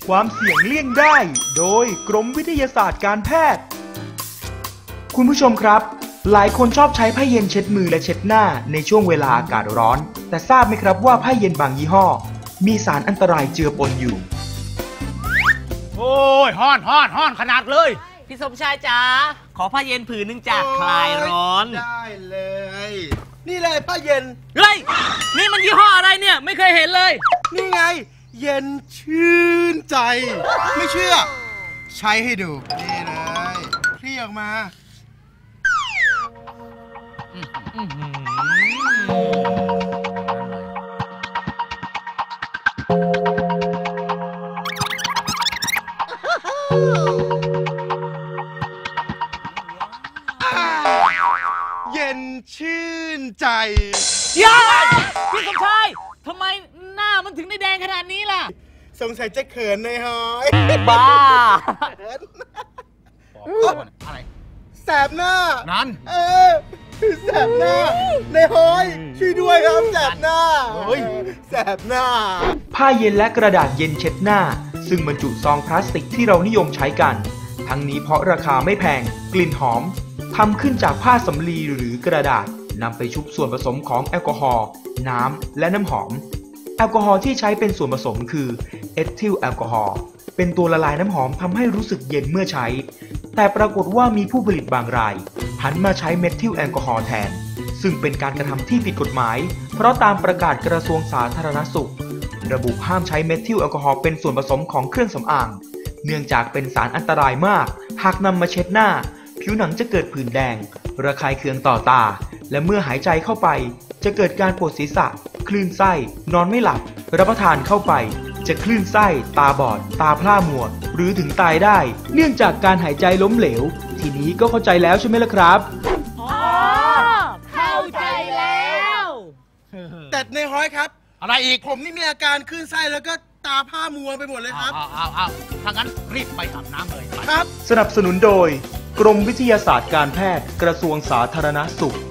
ความเสี่ยงเลี่ยงได้โดยกรมวิทยาศาสตร์การแพทย์คุณผู้ชมครับหลายคนชอบใช้ผ้าเย็นเช็ดมือและเช็ดหน้าในช่วงเวลาอากาศร้อนแต่ทราบไหมครับว่าผ้าเย็นบางยี่ห้อมีสารอันตรายเจือปนอยู่โอ้ยฮ้อนขนาดเลยพี่สมชายจ๋าขอผ้าเย็นผืนนึงจากคลายร้อนได้เลยนี่เลยผ้าเย็นเฮ้ยนี่มันยี่ห้ออะไรเนี่ยไม่เคยเห็นเลยนี่ไงเย็นชื่นใจไม่เชื่อใช้ให้ดูนี่เลยคลี่ออกมาเย็นชื่นใจย้าพี่สมชายทำไมหน้ามันถึงได้แดงขนาดนี้ล่ะสงสัยจะเขินในหอยบ้าอะไรแสบหน้านั่นแสบหน้าในหอยช่วยด้วยครับแสบหน้าแสบหน้าผ้าเย็นและกระดาษเย็นเช็ดหน้าซึ่งบรรจุซองพลาสติกที่เรานิยมใช้กันทั้งนี้เพราะราคาไม่แพงกลิ่นหอมทำขึ้นจากผ้าสำลีหรือกระดาษนำไปชุบส่วนผสมของแอลกอฮอล์น้ำและน้ำหอมแอลกอฮอล์ที่ใช้เป็นส่วนผสมคือเอทิลแอลกอฮอล์เป็นตัวละลายน้ำหอมทำให้รู้สึกเย็นเมื่อใช้แต่ปรากฏว่ามีผู้ผลิตบางรายหันมาใช้เมทิลแอลกอฮอล์แทนซึ่งเป็นการกระทำที่ผิดกฎหมายเพราะตามประกาศกระทรวงสาธารณสุขระบุห้ามใช้เมทิลแอลกอฮอล์เป็นส่วนผสมของเครื่องสำอางเนื่องจากเป็นสารอันตรายมากหากนำมาเช็ดหน้าผิวหนังจะเกิดผื่นแดงระคายเคืองต่อตาและเมื่อหายใจเข้าไปจะเกิดการปวดศีรษะคลื่นไส้นอนไม่หลับรับประทานเข้าไปจะคลื่นไส้ตาบอดตาพร่ามัวหรือถึงตายได้เนื่องจากการหายใจล้มเหลวทีนี้ก็เข้าใจแล้วใช่ไหมล่ะครับเข้าใจแล้วแต่ในห้อยครับอะไรอีกผมนี่มีอาการคลื่นไส้แล้วก็ตาผ้ามัวไปหมดเลยครับถ้างั้นรีบไปอาบน้ำเลยครับสนับสนุนโดยกรมวิทยาศาสตร์การแพทย์กระทรวงสาธารณสุข